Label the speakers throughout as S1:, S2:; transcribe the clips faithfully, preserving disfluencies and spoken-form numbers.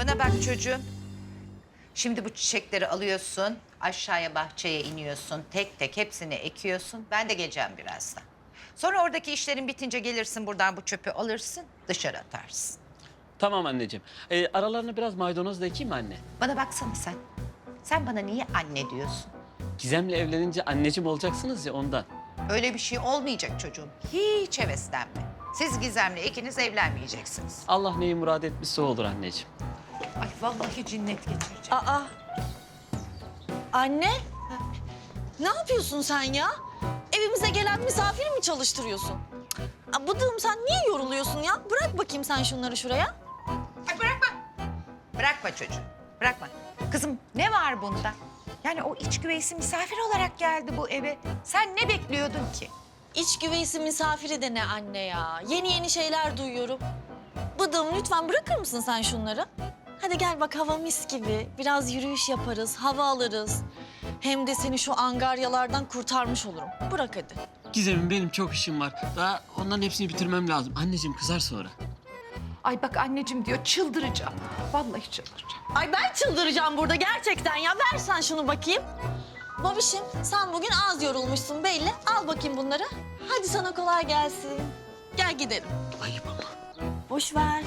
S1: Bana bak çocuğum. Şimdi bu çiçekleri alıyorsun, aşağıya bahçeye iniyorsun, tek tek hepsini ekiyorsun. Ben de geleceğim birazdan. Sonra oradaki işlerin bitince gelirsin buradan bu çöpü alırsın, dışarı atarsın.
S2: Tamam anneciğim. Ee, aralarına biraz maydanoz da ekeyim mi anne?
S1: Bana baksana sen. Sen bana niye anne diyorsun?
S2: Gizem'le evlenince anneciğim olacaksınız ya ondan.
S1: Öyle bir şey olmayacak çocuğum. Hiç heveslenme. Siz Gizem'le ikiniz evlenmeyeceksiniz.
S2: Allah neyi murad etmişse o olur anneciğim.
S1: Ay vallahi cinnet geçireceğim.
S3: Aa. Anne. Ne yapıyorsun sen ya? Evimize gelen misafiri mi çalıştırıyorsun? Aa, bıdığım sen niye yoruluyorsun ya? Bırak bakayım sen şunları şuraya.
S1: Ay bırakma. Bırakma çocuğum. Bırakma. Kızım ne var bunda? Yani o iç güveysi misafir olarak geldi bu eve. Sen ne bekliyordun ki?
S3: İç güveysi misafiri de ne anne ya? Yeni yeni şeyler duyuyorum. Bıdığım lütfen bırakır mısın sen şunları? Hadi gel bak hava mis gibi. Biraz yürüyüş yaparız, hava alırız. Hem de seni şu angaryalardan kurtarmış olurum. Bırak hadi.
S2: Gizem'im benim çok işim var. Daha onların hepsini bitirmem lazım. Anneciğim kızar sonra.
S1: Ay bak anneciğim diyor çıldıracağım. Vallahi çıldıracağım.
S3: Ay ben çıldıracağım burada gerçekten ya. Ver sen şunu bakayım. Babişim sen bugün az yorulmuşsun belli. Al bakayım bunları. Hadi sana kolay gelsin. Gel gidelim.
S2: Ayıp ama.
S3: Boş ver.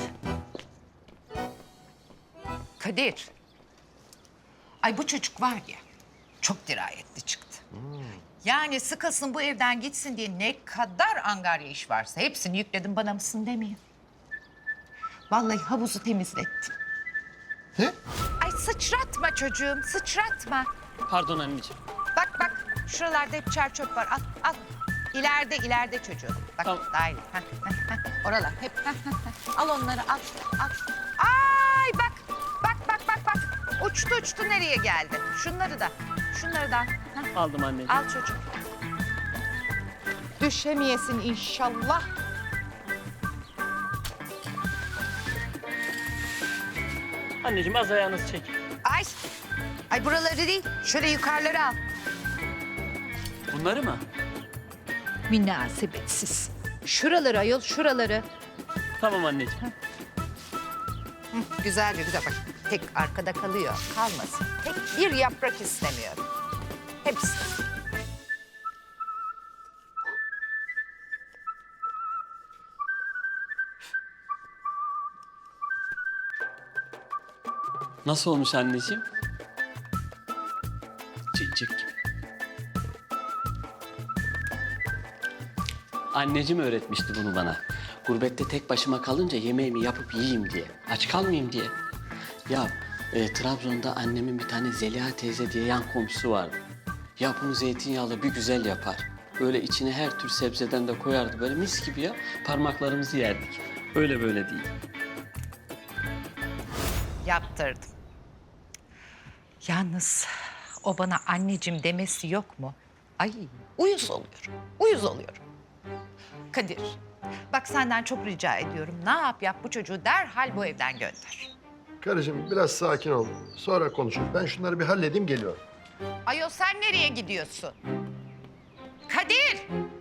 S1: Kadir. Ay bu çocuk var ya çok dirayetli çıktı. Yani sıkılsın bu evden gitsin diye ne kadar angarya iş varsa hepsini yükledim bana mısın demeyin. Vallahi havuzu temizlettim.
S4: Ne?
S1: Ay sıçratma çocuğum sıçratma.
S2: Pardon anneciğim.
S1: Bak bak şuralarda hep çer çöp var al al. İleride ileride çocuğum. Bak
S2: Tamam.
S1: daha iyi. Heh, heh, heh. Oralar hep. Heh, heh, heh. Al onları al al. Ay bak bak bak bak bak. Uçtu uçtu nereye geldi? Şunları da şunları da al. Heh.
S2: Aldım anneciğim.
S1: Al çocuğum. Düşemeyesin inşallah.
S2: Anneciğim az ayağınızı çek.
S1: Ay. Ay buraları değil. Şöyle yukarıları al.
S2: Bunları mı?
S1: Münasebetsiz. Şuraları ayol şuraları.
S2: Tamam anneciğim.
S1: Hı, güzel bir güzel bak. Tek arkada kalıyor. Kalmasın. Tek bir yaprak istemiyorum. Hepsi.
S2: Nasıl olmuş anneciğim? Cicik gibi. Anneciğim öğretmişti bunu bana. Gurbette tek başıma kalınca yemeğimi yapıp yiyeyim diye. Aç kalmayayım diye. Ya e, Trabzon'da annemin bir tane Zeliha teyze diye yan komşusu vardı. Ya bunu zeytinyağlı bir güzel yapar. Böyle içine her tür sebzeden de koyardı. Böyle mis gibi ya. Parmaklarımızı yerdik. Öyle böyle değil.
S1: Yaptırdım. Yalnız o bana anneciğim demesi yok mu? Ay uyuz oluyorum. Uyuz oluyorum. Kadir bak senden çok rica ediyorum. Ne yap yap bu çocuğu derhal bu evden gönder.
S4: Karıcığım biraz sakin ol. Sonra konuşuruz. Ben şunları bir halledeyim geliyorum.
S1: Ayol sen nereye gidiyorsun? Kadir!